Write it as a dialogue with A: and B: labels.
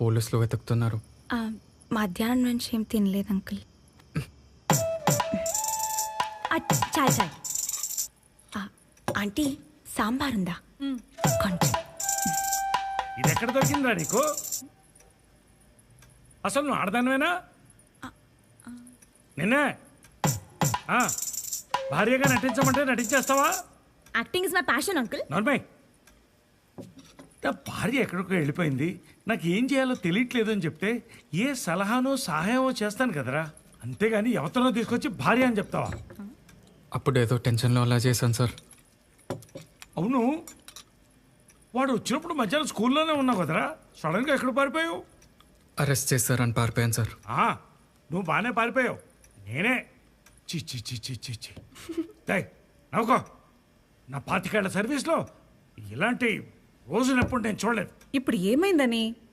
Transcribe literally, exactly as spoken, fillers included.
A: పోలీసులు వెతుకుతున్నారు.
B: ఆ, మధ్యాహ్నం నుంచి ఏం తినలేదు అంకుల్. ఆ, చాలు చాలు. ఆ, ఆంటీ సాంబార్ ఉందా? కొంచెం.
C: ఇది ఎక్కడ దొరికిందా నీకు? అసలు నువ్వు ఆడదానివేనా? నిన్నే ఆ, భార్యగా నటించమంటే నటించేస్తావా?
B: Acting is my passion uncle.
C: Normal నా భార్య ఎక్కడికో వెళ్ళిపోయింది, నాకు ఏం చేయాలో తెలియట్లేదు అని చెప్తే ఏ సలహానో సహాయమో చేస్తాను కదరా, అంతేగాని ఎవరినో తీసుకొచ్చి భార్య అని చెప్తావా?
A: అప్పుడు ఏదో టెన్షన్లో అలా చేశాను సార్.
C: అవును, వాడు వచ్చినప్పుడు మధ్యాహ్నం స్కూల్లోనే ఉన్నావు కదరా, సడన్గా ఎక్కడ పారిపోయావు?
A: అరెస్ట్ చేశారని పారిపోయాను సార్.
C: ఆ, నువ్వు బాగానే పారిపోయావు, నేనే చి చి చి చి చి చి డై నవ్వుకో. నా పాతికేళ్ల సర్వీస్లో ఇలాంటి రోజునప్పుడు నేను చూడలేదు.
D: ఇప్పుడు ఏమైందని?